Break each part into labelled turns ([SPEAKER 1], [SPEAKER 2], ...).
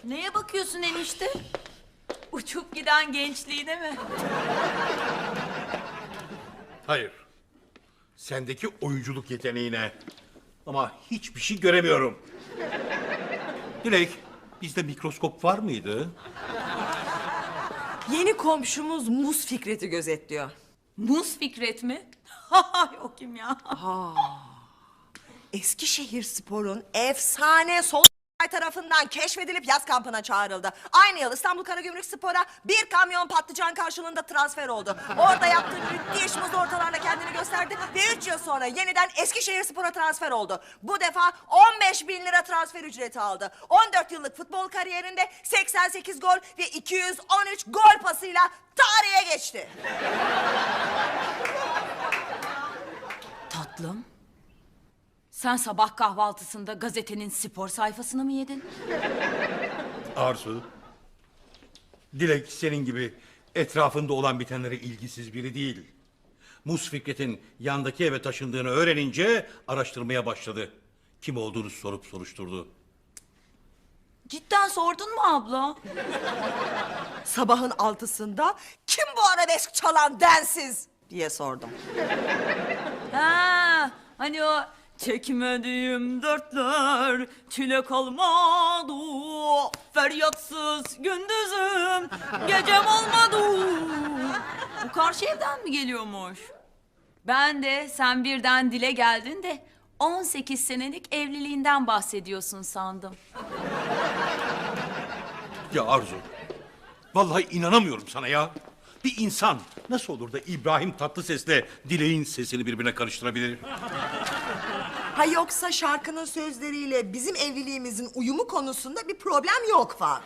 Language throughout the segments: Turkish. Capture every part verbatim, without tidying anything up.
[SPEAKER 1] Neye bakıyorsun enişte? Uçup giden gençliğine mi?
[SPEAKER 2] Hayır. Sendeki oyunculuk yeteneğine. Ama hiçbir şey göremiyorum. Dilek, bizde mikroskop var mıydı?
[SPEAKER 3] Yeni komşumuz Muz Fikret'i gözetliyor.
[SPEAKER 1] Muz Fikret mi? O kim ya?
[SPEAKER 3] Eskişehirspor'un efsane sol tarafından keşfedilip yaz kampına çağrıldı. Aynı yıl İstanbul Karagümrük Spor'a bir kamyon patlıcan karşılığında transfer oldu. Orada yaptığı müthiş muz ortalarla kendini gösterdi ve üç yıl sonra yeniden Eskişehirspor'a transfer oldu. Bu defa on beş bin lira transfer ücreti aldı. on dört yıllık futbol kariyerinde seksen sekiz gol ve iki yüz on üç gol pasıyla tarihe geçti.
[SPEAKER 1] Tatlım. Sen sabah kahvaltısında gazetenin spor sayfasını mı yedin?
[SPEAKER 2] Arzu. Dilek senin gibi etrafında olan bitenlere ilgisiz biri değil. Muz Fikret'in yandaki eve taşındığını öğrenince araştırmaya başladı. Kim olduğunu sorup soruşturdu.
[SPEAKER 1] Cidden sordun mu abla?
[SPEAKER 3] Sabahın altısında kim bu arabesk çalan densiz diye sordum.
[SPEAKER 1] Ha, hani o çekmediğim dertler çile kalmadı. Feryatsız gündüzüm gecem olmadı. Bu karşı evden mi geliyormuş? Ben de sen birden dile geldin de on sekiz senelik evliliğinden bahsediyorsun sandım.
[SPEAKER 2] Ya Arzu. Vallahi inanamıyorum sana ya. Bir insan nasıl olur da İbrahim Tatlıses'le Dilek'in sesini birbirine karıştırabilir?
[SPEAKER 3] Ha yoksa şarkının sözleriyle bizim evliliğimizin uyumu konusunda bir problem yok falan.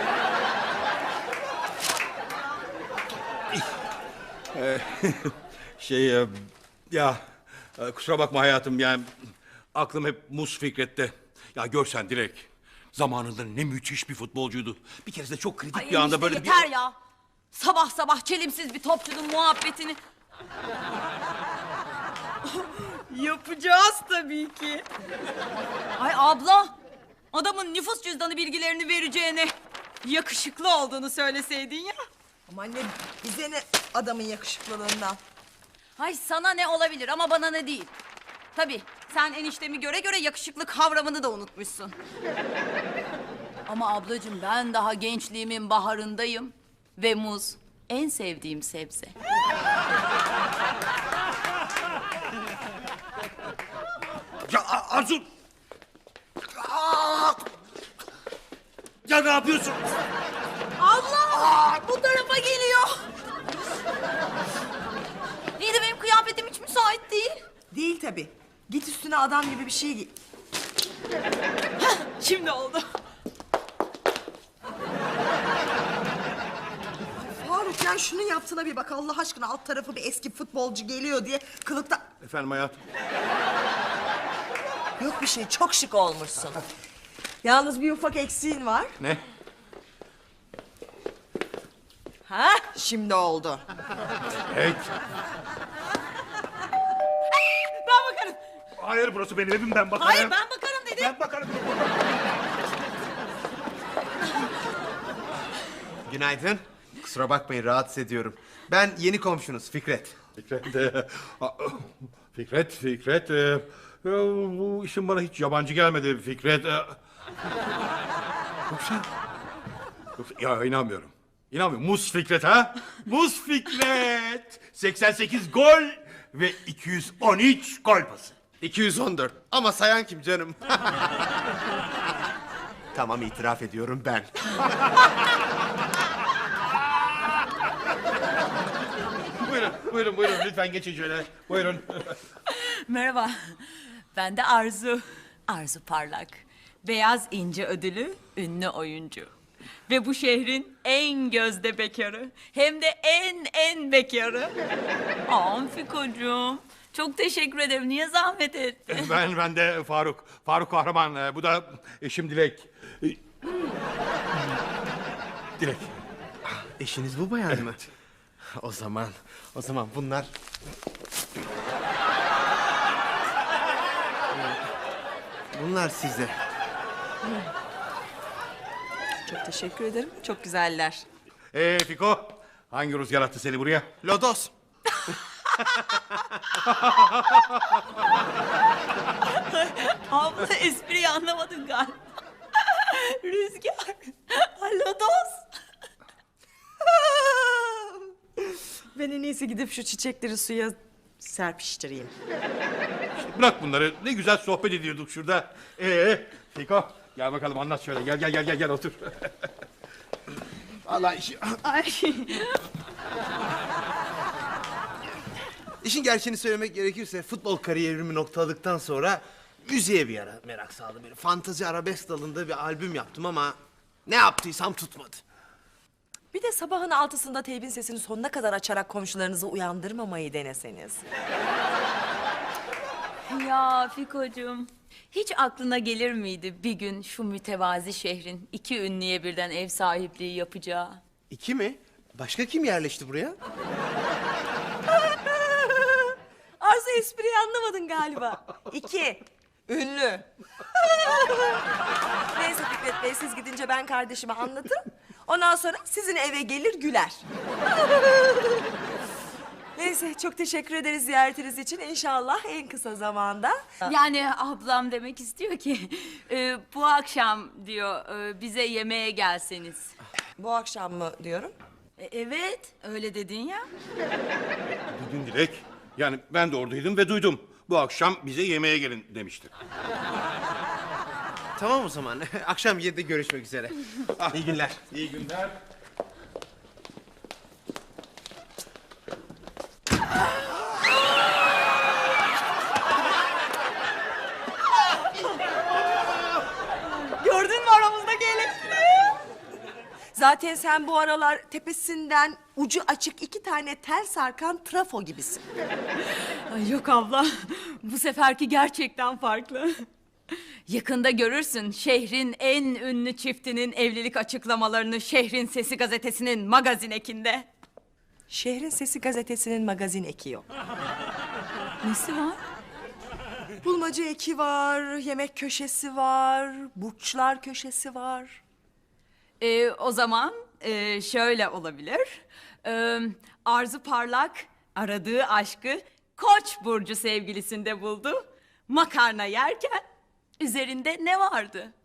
[SPEAKER 2] Şey e, ya e, kusura bakma hayatım yani aklım hep Muz Fikret'te. Ya görsen Dilek zamanında ne müthiş bir futbolcuydu. Bir kere de çok kritik
[SPEAKER 1] Ay
[SPEAKER 2] bir anda
[SPEAKER 1] enişte
[SPEAKER 2] böyle
[SPEAKER 1] yeter
[SPEAKER 2] bir...
[SPEAKER 1] ya. Sabah sabah çelimsiz bir topçunun muhabbetini. Yapacağız tabii ki. Ay abla, adamın nüfus cüzdanı bilgilerini vereceğine yakışıklı olduğunu söyleseydin ya.
[SPEAKER 3] Ama anne bize ne adamın yakışıklılığından.
[SPEAKER 1] Ay sana ne olabilir ama bana ne değil. Tabii sen eniştemi göre göre yakışıklı kavramını da unutmuşsun. Ama ablacığım ben daha gençliğimin baharındayım. Ve muz en sevdiğim sebze.
[SPEAKER 2] Ya A- Arzu! Aa! Ya ne yapıyorsun?
[SPEAKER 1] Allah! Bu tarafa geliyor. İyi de benim kıyafetim hiç müsait değil.
[SPEAKER 3] Değil tabii. Git üstüne adam gibi bir şey giy.
[SPEAKER 1] Şimdi oldu.
[SPEAKER 3] Faruk ya şunun yaptığına bir bak Allah aşkına, alt tarafı bir eski futbolcu geliyor diye kılıkta...
[SPEAKER 2] Efendim hayatım.
[SPEAKER 3] Yok bir şey, çok şık olmuşsun. Yalnız bir ufak eksiğin var.
[SPEAKER 2] Ne?
[SPEAKER 3] Ha? Şimdi oldu.
[SPEAKER 2] Evet.
[SPEAKER 1] Ben bakarım.
[SPEAKER 2] Hayır burası benim evim ben bakarım.
[SPEAKER 1] Hayır ben bakarım dedim.
[SPEAKER 2] Ben bakarım.
[SPEAKER 4] Günaydın. Kusura bakmayın rahatsız ediyorum. Ben yeni komşunuz Fikret.
[SPEAKER 2] Fikret, e, a- Fikret, Fikret, e, e, bu işin bana hiç yabancı gelmedi Fikret. E, yoksa, yoksa, ya inanmıyorum. İnanmıyorum. Muz Fikret ha? Muz Fikret. seksen sekiz gol ve iki yüz on üç gol pası.
[SPEAKER 4] iki yüz on dört. Ama sayan kim canım? Tamam itiraf ediyorum ben.
[SPEAKER 2] Buyurun, buyurun, buyurun. Lütfen geçin şöyle. Buyurun.
[SPEAKER 1] Merhaba. Ben de Arzu. Arzu Parlak. Beyaz İnce ödülü ünlü oyuncu. Ve bu şehrin en gözde bekarı. Hem de en en bekarı. Aman Fikocuğum. Çok teşekkür ederim. Niye zahmet ettin?
[SPEAKER 2] Ben, ben de Faruk. Faruk Kahraman. E, Bu da eşim Dilek. E, Dilek.
[SPEAKER 4] Eşiniz bu bayan mı? O zaman, o zaman bunlar... Bunlar size.
[SPEAKER 3] Çok teşekkür ederim. Çok güzeller.
[SPEAKER 2] Ee Fiko, hangi rüzgar attı seni buraya?
[SPEAKER 4] Lodos.
[SPEAKER 1] Abla espriyi anlamadın galiba. Rüzgar. Lodos.
[SPEAKER 3] Ben en iyisi gidip şu çiçekleri suya serpiştireyim.
[SPEAKER 2] Bırak bunları. Ne güzel sohbet ediyorduk şurada. Ee Fiko, gel bakalım anlat şöyle. Gel gel gel gel gel otur. Vallahi işi...
[SPEAKER 1] Ay.
[SPEAKER 4] İşin gerçeğini söylemek gerekirse futbol kariyerimi noktaladıktan sonra müziğe bir ara merak saldım. Böyle fantazi arabesk dalında bir albüm yaptım ama ne yaptıysam tutmadı.
[SPEAKER 3] Bir de sabahın altısında teybin sesini sonuna kadar açarak komşularınızı uyandırmamayı deneseniz.
[SPEAKER 1] Ya Fiko'cum, hiç aklına gelir miydi bir gün şu mütevazi şehrin iki ünlüye birden ev sahipliği yapacağı?
[SPEAKER 4] İki mi? Başka kim yerleşti buraya?
[SPEAKER 3] Arzu espriyi anlamadın galiba. İki. Ünlü. Neyse Fikret Bey, siz gidince ben kardeşime anlatırım. Ondan sonra sizin eve gelir güler. Neyse, çok teşekkür ederiz ziyaretiniz için. İnşallah en kısa zamanda.
[SPEAKER 1] Yani ablam demek istiyor ki e, bu akşam diyor e, bize yemeğe gelseniz.
[SPEAKER 3] Bu akşam mı diyorum?
[SPEAKER 1] E, evet, öyle dedin ya.
[SPEAKER 2] Duydun Dilek. Yani ben de oradaydım ve duydum. Bu akşam bize yemeğe gelin demişti.
[SPEAKER 4] Tamam o zaman. Akşam yedide görüşmek üzere. İyi günler.
[SPEAKER 2] İyi günler.
[SPEAKER 3] Gördün mü aramızdaki elektriği? Zaten sen bu aralar tepesinden ucu açık iki tane tel sarkan trafo gibisin.
[SPEAKER 1] Ay yok abla, bu seferki gerçekten farklı. Yakında görürsün şehrin en ünlü çiftinin evlilik açıklamalarını Şehrin Sesi gazetesinin magazin ekinde.
[SPEAKER 3] Şehrin Sesi gazetesinin magazin eki yok.
[SPEAKER 1] Nesi var?
[SPEAKER 3] Bulmaca eki var, yemek köşesi var, burçlar köşesi var.
[SPEAKER 1] Ee, o zaman e, şöyle olabilir. Ee, Arzu Parlak aradığı aşkı Koç burcu sevgilisinde buldu. Makarna yerken üzerinde ne vardı?